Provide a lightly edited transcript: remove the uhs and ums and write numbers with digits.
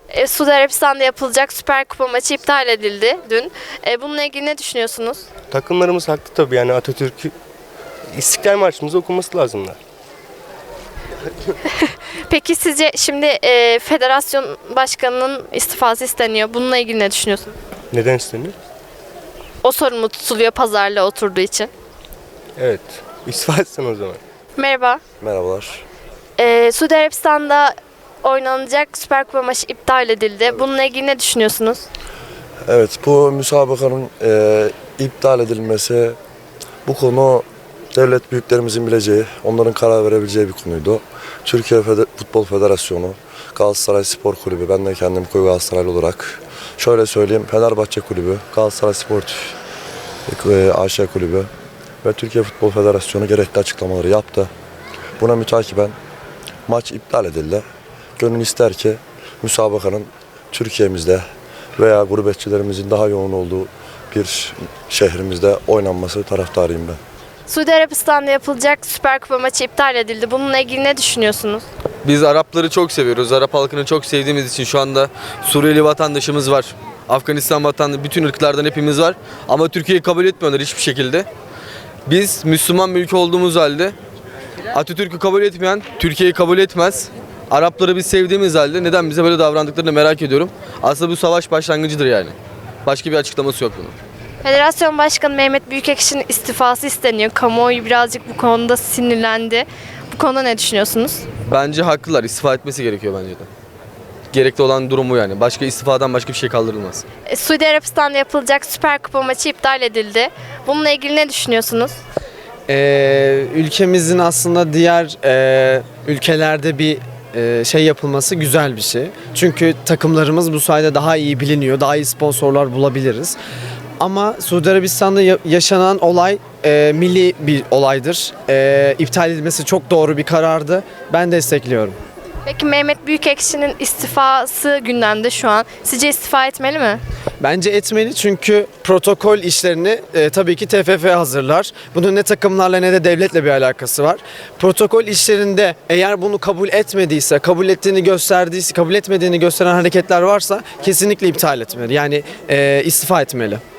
Suudi Arabistan'da yapılacak Süper Kupa maçı iptal edildi dün. Bununla ilgili ne düşünüyorsunuz? Takımlarımız haklı tabii, yani Atatürk'ü İstiklal Marşımızı okuması lazımlar. Peki sizce şimdi federasyon başkanının istifası isteniyor. Bununla ilgili ne düşünüyorsunuz? Neden isteniyor? O sorumlu tutuluyor pazarlığa oturduğu için. Evet. İstifa etsin o zaman. Merhaba. Merhabalar. Suudi Arabistan'da oynanacak Süper Kupa maçı iptal edildi. Bununla ilgili ne düşünüyorsunuz? Evet, bu müsabakanın iptal edilmesi, bu konu devlet büyüklerimizin bileceği, onların karar verebileceği bir konuydu. Türkiye Futbol Federasyonu, Galatasaray Spor Kulübü, ben de kendim koyu Galatasaraylı olarak şöyle söyleyeyim, Fenerbahçe Kulübü, Galatasaray Sportif AŞ Kulübü ve Türkiye Futbol Federasyonu gerekli açıklamaları yaptı. Buna mütakiben maç iptal edildi. Gönül ister ki müsabakanın Türkiye'mizde veya gurbetçilerimizin daha yoğun olduğu bir şehrimizde oynanması taraftarıyım ben. Suudi Arabistan'da yapılacak Süper Kupa maçı iptal edildi. Bununla ilgili ne düşünüyorsunuz? Biz Arapları çok seviyoruz. Arap halkını çok sevdiğimiz için şu anda Suriyeli vatandaşımız var. Afganistan vatandaşı, bütün ırklardan hepimiz var. Ama Türkiye'yi kabul etmiyorlar hiçbir şekilde. Biz Müslüman bir ülke olduğumuz halde Atatürk'ü kabul etmeyen Türkiye'yi kabul etmez. Arapları biz sevdiğimiz halde neden bize böyle davrandıklarını merak ediyorum. Aslında bu savaş başlangıcıdır yani. Başka bir açıklaması yok bunun. Federasyon Başkanı Mehmet Büyükekşi'nin istifası isteniyor. Kamuoyu birazcık bu konuda sinirlendi. Bu konuda ne düşünüyorsunuz? Bence haklılar. İstifa etmesi gerekiyor bence de. Gerekli olan durum bu yani. Başka istifadan başka bir şey kaldırılmaz. Suudi Arabistan'da yapılacak Süper Kupa maçı iptal edildi. Bununla ilgili ne düşünüyorsunuz? Ülkemizin aslında diğer ülkelerde bir şey yapılması güzel bir şey. Çünkü takımlarımız bu sayede daha iyi biliniyor, daha iyi sponsorlar bulabiliriz. Ama Suudi Arabistan'da yaşanan olay milli bir olaydır. İptal edilmesi çok doğru bir karardı. Ben destekliyorum. Peki Mehmet Büyükekşi'nin istifası gündemde şu an. Sizce istifa etmeli mi? Bence etmeli çünkü protokol işlerini tabii ki TFF hazırlar. Bunun ne takımlarla ne de devletle bir alakası var. Protokol işlerinde eğer bunu kabul etmediyse, kabul ettiğini gösterdiyse, kabul etmediğini gösteren hareketler varsa kesinlikle iptal etmeli. Yani istifa etmeli.